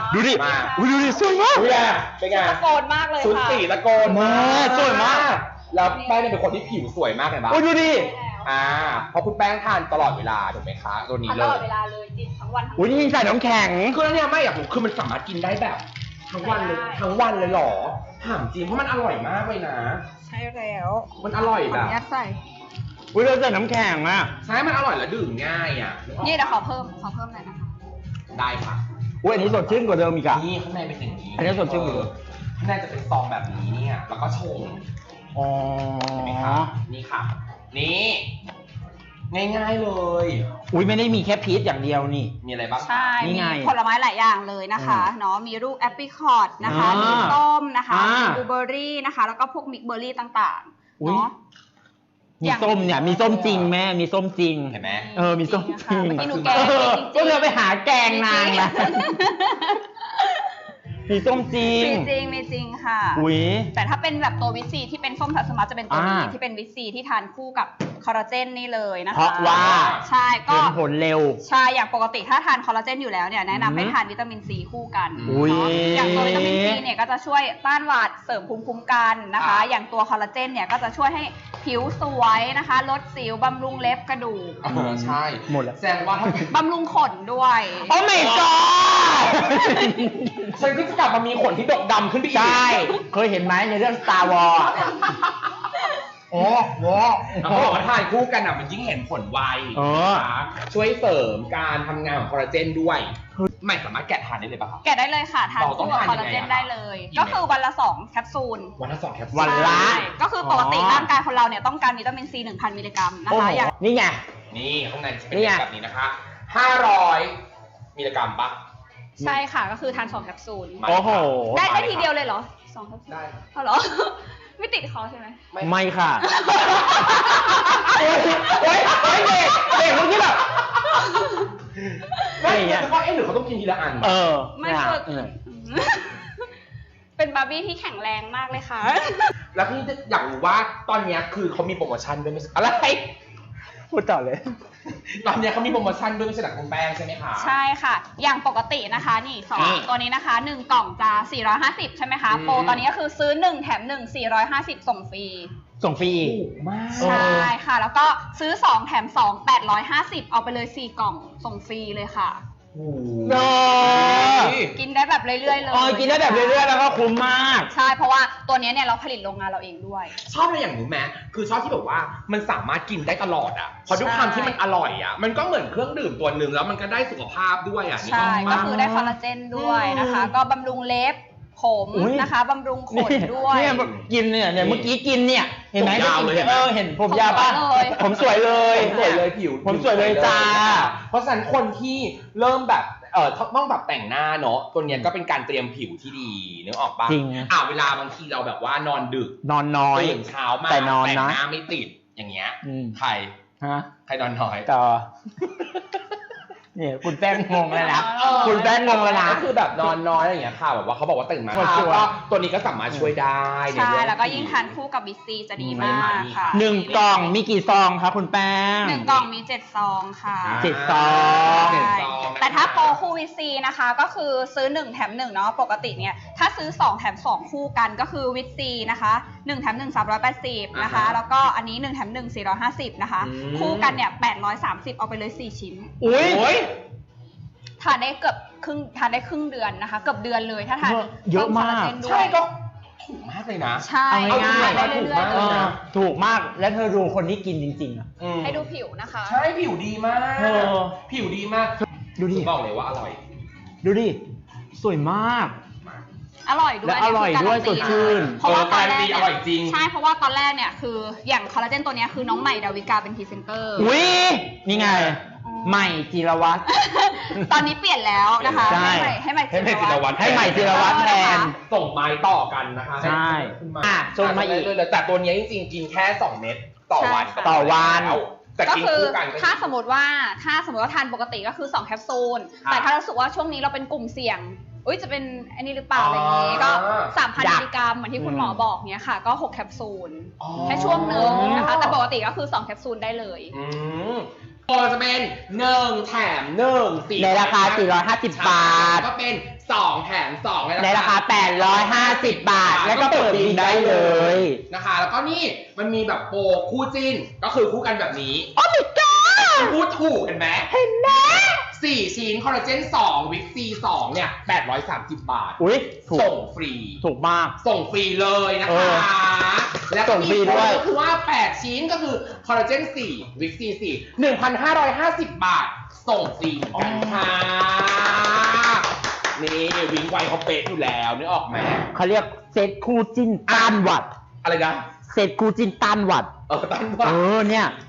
ดูดิมาดูดิสวยมากเป็นไงตะโกนมากเลยชุดค่ะสีตะโกนมากสวยมากแล้วแป้งเนี่ยเป็นคนที่ผิวสวยมากเลยปะโอ้ยดูดิเพราะคุณแป้งทานตลอดเวลาถูกไหมคะตัวนี้ทานเลตลอดยเวลาเลยจิบทั้งวันทั้งอุ้ยนี่ใส่น้ำแข็งคือแล้วเนี่ยไม่อยากรู้คือมันสามารถกินได้แบบทั้งวันเลยทั้งวันเลยเหรอถามจริงเพราะมันอร่อยมากเลยนะใช่แล้วมันอร่อยขอแบอบ นุญาตใส่อุ้ยเราใส่น้ำแข็งอ่ะใช่มันอร่อยและดื่มง่ายอ่ะนึกออกนี่เดี๋ยวขอเพิ่มหน่อยนะคะได้ค่ะอุ้ยอันนี้สดชื่นกว่าเดิมอีกอ่ะนี่ข้างในเป็นอย่างนี้อันนี้สดชื่นกว่าเดิมข้างในจะเป็นซองแบบนี้เนี่ยแล้วก็ชงอ๋อเห็นไหมคะนี่ค่ะ นี่ง่ายๆเลยอุ้ยไม่ได้มีแค่พีชอย่างเดียวนี่มีอะไรบ้างใช่นี่มีไงผลไม้หลายอย่างเลยนะคะเนาะมีลูกแอปเปิลคอร์ดนะคะอ่ามีมีส้มนะคะอ่ามีมีบลูเบอร์รี่นะคะแล้วก็พวกมิกเบอร์รี่ต่างๆอุ๊ยเนาะมีส้มเนี่ยมีส้มจริงแม่มีส้มจริงเห็นไหมเออมีส้มจริงเมื่อกี้หนูแกงเออจริงๆก็เลยไปหาแกงนางนะ มีส้มจริงมีจริงค่ะอุ้ยแต่ถ้าเป็นแบบตัววิตซีที่เป็นส้มทัสมาจะเป็นตัวนี้อ่าที่เป็นวิตซีที่ทานคู่กับคอลลาเจนนี่เลยนะคะเพราะว่าใช่ก็เห็นผลเร็วใช่อย่างปกติถ้าทานคอลลาเจนอยู่แล้วเนี่ยแนะนำให้อืมทานวิตามินซีคู่กันอุ๊ยเนาะอย่างตัววิตามินซีเนี่ยก็จะช่วยต้านหวัดเสริมภูมิคุ้มกันนะคะ อย่างตัวคอลลาเจนเนี่ยก็จะช่วยให้ผิวสวยนะคะ ลดสิวบำรุงเล็บกระดูกใช่หมดแล้วแสดงว่าถ้าบำรุงขนด้วยโอ้ my god ฉันก็จะกลับมามีขนที่ดกดำขึ้นไปอีกใช่ เคยเห็นไหมในเรื่อง Star Wars อะโอ้โหเขาบอกว่าทานคู่กันอ่ะมันยิ่งเห็นผลไวเออนะคะช่วยเสริมการทำงานของคอลลาเจนด้วยไม่สามารถแกะทานได้เลยป่ะครับแกะได้เลยค่ะทานเราต้อคู่งกับทานคอลลาเจนยังไงอะได้เลยกี่ก็เม็ดคือวันละ2แคปซูลวันละ2แคปซูลวันละใช่ก็คือปกติอ๋อร่างกายคนเราเนี่ยต้องการวิตามินซี 1,000 มิลลิกรัมนะโอ้คะโหอย่างนี่ไงนี่ข้างในจะเป็นนี่ไงแบบนี้นะคะ500มิลลิกรัมปะใช่ค่ะก็คือทาน2แคปซูลมาโอ้โหได้ทีเดียวเลยเหรอ2แคปซูลได้เอาเหรอ ไม่ติดคอใช่ไหมไม่ค่ะโอ้ยโอ้ยโอ้ยเด็กเด็กเมื่อกี้แบบไม่อะไรอย่างเงี้ยแต่ว่าหรือเขาต้องกินทีละอันเออไม่เนี่ยเกิดเออเป็นบาร์บี้ที่แข็งแรงมากเลยค่ะแล้วพี่อยากรู้ว่าตอนเนี้ยคือเขามีโปรโมชั่นด้วยไม่ใช่อะไรพูดต่อเลยตอนเนี้ยเขามีโปรโมชั่นด้วยไม่ใช่หนักคุณแป้งใช่ไหมคะใช่ค่ะ อย่างปกตินะคะนี่สองนี่ตัวนี้นะคะ1กล่องจะ450ใช่ไหมคะอืมโปรตอนนี้ก็คือซื้อ1แถม1 450ส่งฟรีส่งฟรีอีกถูกมากเออใช่ค่ะ แล้วก็ซื้อ2แถม2 850เอาไปเลย4กล่องส่งฟรีเลยค่ะโอ้โหเออกินได้แบบเรื่อยๆเลยเออกินได้แบบเรื่อยๆแล้วก็คุ้มมากใช่เพราะว่าตัวนี้เนี่ยเราผลิตโรงงานเราเองด้วยชอบอะไรอย่างหนูแม้คือชอบที่แบบว่ามันสามารถกินได้ตลอดอ่ะเพราะด้วยความที่มันอร่อยอ่ะมันก็เหมือนเครื่องดื่มตัวหนึ่งแล้วมันก็ได้สุขภาพด้วยอ่ะนึกใช่ออกก็ปะคือได้คอลลาเจนด้วยนะคะ ก็บำรุงเล็บผมอุ๊ยนะคะบำรุงขนด้วยเนี่ยกินเนี่ยเมื่อกี้กินเนี่ย เห็นไหมผมยาวเลยเห็นไหมเห็นผมยาวป่ะผมสวยเลยผมสวยเลยสวยเลยผิวผมสวยเลยจ้าเพราะฉะนั้นคนที่เริ่มแบบต้องแบบแต่งหน้าเนาะตัวเนี้ยก็เป็นการเตรียมผิวที่ดีนึกออกปะจริงเวลาบางทีเราแบบว่านอนดึกนอนน้อยตื่นเช้ามาแต่นอนนะแต่งหน้าไม่ติดอย่างเงี้ยอืมใครฮะใครนอนน้อยต่อ เนี่ยคุณแป้งงงเลยนะเออคุณแป้งงงเลยนะก็คือแบบนอนน้อยอะไรอย่างเงี้ยค่ะแบบว่าเขาบอกว่าตื่นมาคนสวยก็ตัวนี้ก็สามารถช่วยได้ในใช่เรื่องแล้วก็ยิ่งทานคู่กับบิสซีจะดีมากค่ะ 1 กล่องมีกี่ซองคะคุณแป้ง 1 กล่องมี7ซองค่ะเจ็ดซองเจ็ดซองแต่ถ้าโปรคู่วิซีนะคะก็คือซื้อ1แถม1เนาะปกติเนี่ยถ้าซื้อ2แถม2คู่กันก็คือวิซีนะคะ1แถม1 380นะคะแล้วก็อันนี้1แถม1 450นะคะคู่กันเนี่ย830เอาไปเลย4ชิ้นอุ้ยทานได้ครึ่งเดือนนะคะเกือบเดือนเลยถ้าทานเยอะมากพิ่คลลจนด้วยใช่ก็ถูกมากเลยนะใช่เอาง่ายๆได้เรื่อยๆเอเลยอถูกมากแล้วเธอดูคนที่กินจริงๆอ่ะให้ดูผิวนะคะใช่ผิวดีมากเออผิวดีมากดูดิบอกเลยว่าอร่อยดูดิ สวยมากอร่อยด้วยและอร่อยด้วยนี่คืสดชื่นเพราะว่าตอนแรกการันตีอร่อยจริงใช่เพราะว่าตอนแรกเนี่ยคืออย่างคอลลาเจนตัวเนี้ยคือน้องใหม่ดาวิกาเป็นพรีเซนเตอร์อุ้ยนี่ไง ใหม่จิรวัตรตอนนี้เปลี่ยนแล้วนะคะใช่ให้ใหม่จิรวัตรให้ใหม่จิรวัตรแทนส่งไม้ต่อกันนะคะใช่ขึ้นมาส่งมาอีกเลยแต่ตัวเนี้ยจริงๆกินแค่2 เม็ดต่อวันใช่ค่ะต่อวันแต่ก็กินคือคู่กันก็ถ้าสมมติว่าทานปกติก็คือ2แคปซูลครับแต่ถ้ารู้สึกว่าช่วงนี้เราเป็นกลุ่มเสี่ยงอุ้ยจะเป็นอันนี้หรือเปล่าอะไรอย่างงี้ก็ 3,000 อยากมิลลิกรัมเหมือนที่คุณหมอบอกเนี้ยค่ะก็6แคปซูลอ๋อแค่ช่วงหนึ่งนะคะแต่ปกติก็คือ2แคปซูลได้เลยอืมโปรจะเป็น1 แถม 1 4 ในราคา450 บาทก็เป็น2 แถม 2 ในราคา850 บาท แล้วก็เปิดบินได้เลยนะคะ แล้วก็นี่มันมีแบบโปรคู่จิ้นก็คือคู่กันแบบนี้โอ้ my god พูดถูกเห็นไหมเห็นไหม 4 ชิ้นคอลลาเจน2วิกซี2เนี่ย830 บาทอุ้ยถูกส่งฟรีถูกมากส่งฟรีเลยนะเอคะอแล้วก็ส่งฟรีมีโปด้รวยก็คือว่า 8 ชิ้นก็คือคอลลาเจน4วิกซี4 1,550 บาท ส่งฟรีเหมือนกันค่ะ นี่วิงไวเขาเป๊ะอยู่แล้วนึกออกไหมเขาเรียกเซตคู่จิ้นต้านหวัดอะไรนะเซตคู่จิ้นต้านหวัดตั้งว่าเนี่ย